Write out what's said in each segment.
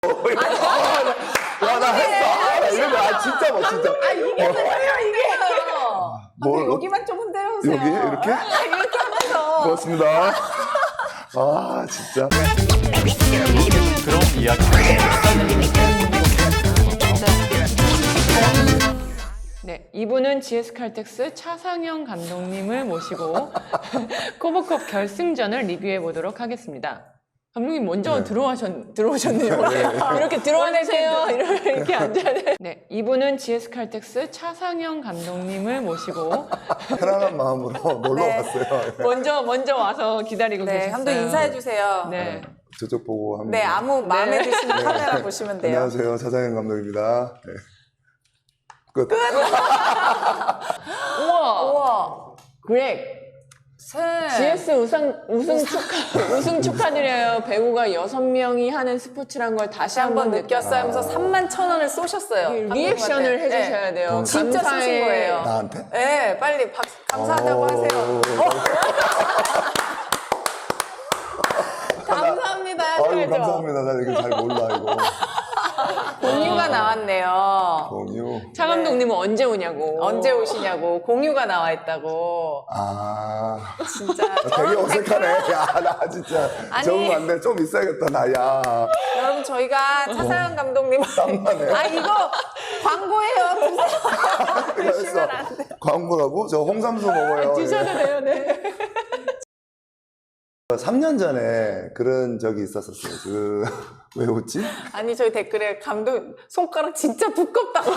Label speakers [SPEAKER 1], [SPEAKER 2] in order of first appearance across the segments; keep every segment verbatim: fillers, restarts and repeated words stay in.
[SPEAKER 1] 와, 나 했어. 아, 나 이런 거, 아, 진짜 뭐, 진짜.
[SPEAKER 2] 아, 이게 뭐예요, 이게?
[SPEAKER 1] 뭘,
[SPEAKER 2] 아, 여기만 좀 흔들어주세요.
[SPEAKER 1] 여기? 이렇게?
[SPEAKER 2] 아, 이렇게 하면서.
[SPEAKER 1] 고맙습니다. 아, 진짜.
[SPEAKER 3] 그런 이야기.
[SPEAKER 4] 네, 이분은 지에스칼텍스 차상영 감독님을 모시고 코보컵 결승전을 리뷰해 보도록 하겠습니다. 감독님 먼저
[SPEAKER 1] 네.
[SPEAKER 4] 들어오셨, 들어오셨네요. 이렇게 들어와주세요. 이렇게 앉아야 돼. 네, 이분은 지에스칼텍스 차상영 감독님을 모시고
[SPEAKER 1] 편안한 마음으로 놀러
[SPEAKER 2] 네.
[SPEAKER 1] 왔어요.
[SPEAKER 4] 먼저 먼저 와서 기다리고
[SPEAKER 2] 네,
[SPEAKER 4] 계셨어요.
[SPEAKER 2] 감독 인사해주세요. 네,
[SPEAKER 4] 네.
[SPEAKER 1] 저쪽 보고 합니다.
[SPEAKER 2] 아무 마음에
[SPEAKER 4] 네.
[SPEAKER 2] 드시는 카메라 보시면 돼요.
[SPEAKER 1] 안녕하세요. 차장현 감독입니다. 네. 끝.
[SPEAKER 4] 우와,
[SPEAKER 2] 우와.
[SPEAKER 4] 그렉.
[SPEAKER 2] 새.
[SPEAKER 4] 지에스 우승, 우승 축하, 우승 축하드려요. 배우가 여섯 명이 하는 스포츠란 걸 다시
[SPEAKER 2] 다시
[SPEAKER 4] 한번
[SPEAKER 2] 한번
[SPEAKER 4] 느꼈어요.
[SPEAKER 2] 느꼈어요 하면서 삼만 천 원을 쏘셨어요.
[SPEAKER 4] 리액션을
[SPEAKER 2] 감독님한테.
[SPEAKER 4] 해주셔야 돼요.
[SPEAKER 1] 네.
[SPEAKER 2] 진짜
[SPEAKER 4] 감사해.
[SPEAKER 2] 쏘신 거예요.
[SPEAKER 1] 나한테?
[SPEAKER 2] 네, 빨리 박, 감사하다고
[SPEAKER 1] 오.
[SPEAKER 2] 하세요. 감사합니다.
[SPEAKER 1] 아유,
[SPEAKER 2] 하셔야죠.
[SPEAKER 1] 감사합니다. 나 이거 잘 몰라, 이거.
[SPEAKER 2] 공유가 나왔네요.
[SPEAKER 1] 공유.
[SPEAKER 4] 차 감독님은 언제 오냐고.
[SPEAKER 2] 언제 오시냐고. 공유가 나와 있다고.
[SPEAKER 1] 아.
[SPEAKER 2] 진짜.
[SPEAKER 1] 되게 어색하네. 야, 나 진짜.
[SPEAKER 2] 아니.
[SPEAKER 1] 적응 안 돼. 좀 있어야겠다, 나, 야.
[SPEAKER 2] 여러분, 저희가 차상현 감독님.
[SPEAKER 1] 땀나네.
[SPEAKER 2] 아, 이거 광고예요. 드세요.
[SPEAKER 1] 그래서 광고라고? 저 홍삼수 먹어요.
[SPEAKER 4] 드셔도 돼요, 네.
[SPEAKER 1] 삼 년 전에 그런 적이 있었었어요. 그, 왜 웃지?
[SPEAKER 2] 아니, 저희 댓글에 감독 손가락 진짜 두껍다고.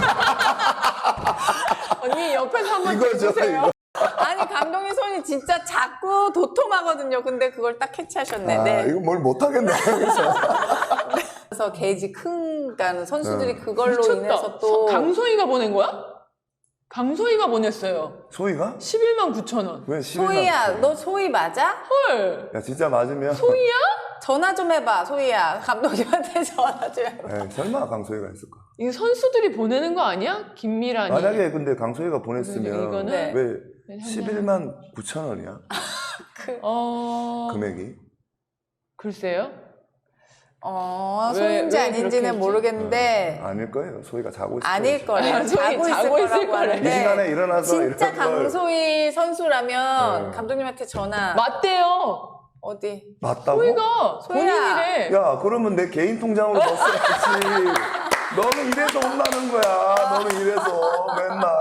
[SPEAKER 4] 언니 옆에서 한번
[SPEAKER 1] 이거죠,
[SPEAKER 4] 해주세요.
[SPEAKER 1] 이거.
[SPEAKER 2] 아니, 감독님 손이 진짜 작고 도톰하거든요. 근데 그걸 딱 캐치하셨네.
[SPEAKER 1] 아,
[SPEAKER 2] 네.
[SPEAKER 1] 이거 뭘 못하겠네. 그래서.
[SPEAKER 2] 그래서 게이지 큰, 그러니까 선수들이
[SPEAKER 1] 네.
[SPEAKER 2] 그걸로
[SPEAKER 4] 미쳤다.
[SPEAKER 2] 인해서 또.
[SPEAKER 4] 강소희가 보낸 거야? 강소희가 보냈어요.
[SPEAKER 1] 소희가?
[SPEAKER 4] 십일만 구천 원.
[SPEAKER 1] 왜 십일만
[SPEAKER 2] 소희야,
[SPEAKER 1] 구천?
[SPEAKER 2] 너 소희 맞아?
[SPEAKER 4] 헐.
[SPEAKER 1] 야, 진짜 맞으면.
[SPEAKER 4] 소희야?
[SPEAKER 2] 전화 좀 해봐, 소희야. 감독님한테 전화 좀 해봐.
[SPEAKER 1] 에 설마 강소희가 했을까?
[SPEAKER 4] 이거 선수들이 보내는 거 아니야? 김미란이.
[SPEAKER 1] 만약에 근데 강소희가 보냈으면
[SPEAKER 4] 이거는
[SPEAKER 2] 네.
[SPEAKER 1] 왜 십일만 구천 원이야?
[SPEAKER 4] 어.
[SPEAKER 1] 금액이?
[SPEAKER 4] 글쎄요.
[SPEAKER 2] 어,
[SPEAKER 4] 왜-
[SPEAKER 2] 소희인지
[SPEAKER 4] 왜
[SPEAKER 2] 아닌지는
[SPEAKER 4] 그렇게 했지?
[SPEAKER 2] 네.
[SPEAKER 1] 아닐 거예요. 소희가 자고 있을
[SPEAKER 2] 아닐
[SPEAKER 1] 거예요.
[SPEAKER 2] 거예요.
[SPEAKER 4] 아, 소희
[SPEAKER 2] 자고 있을
[SPEAKER 4] 자고 있을
[SPEAKER 2] 거라고
[SPEAKER 4] 거래.
[SPEAKER 2] 하는데.
[SPEAKER 1] 이 시간에 일어나서
[SPEAKER 2] 진짜
[SPEAKER 1] 이런 걸
[SPEAKER 2] 강소희 선수라면
[SPEAKER 1] 네.
[SPEAKER 2] 감독님한테 전화.
[SPEAKER 4] 맞대요.
[SPEAKER 2] 어디?
[SPEAKER 1] 맞다고?
[SPEAKER 4] 소희가
[SPEAKER 2] 소희야.
[SPEAKER 4] 본인이래.
[SPEAKER 1] 야, 그러면 내 개인 통장으로 넣었어야지. 너는 이래서 혼나는 거야. 너는 이래서 맨날.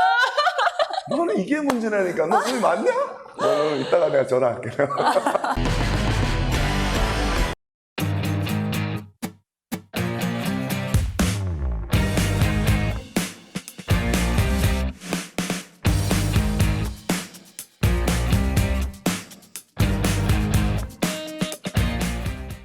[SPEAKER 1] 너는 이게 문제라니까. 너 소희 맞냐? 너는 이따가 내가 전화할게.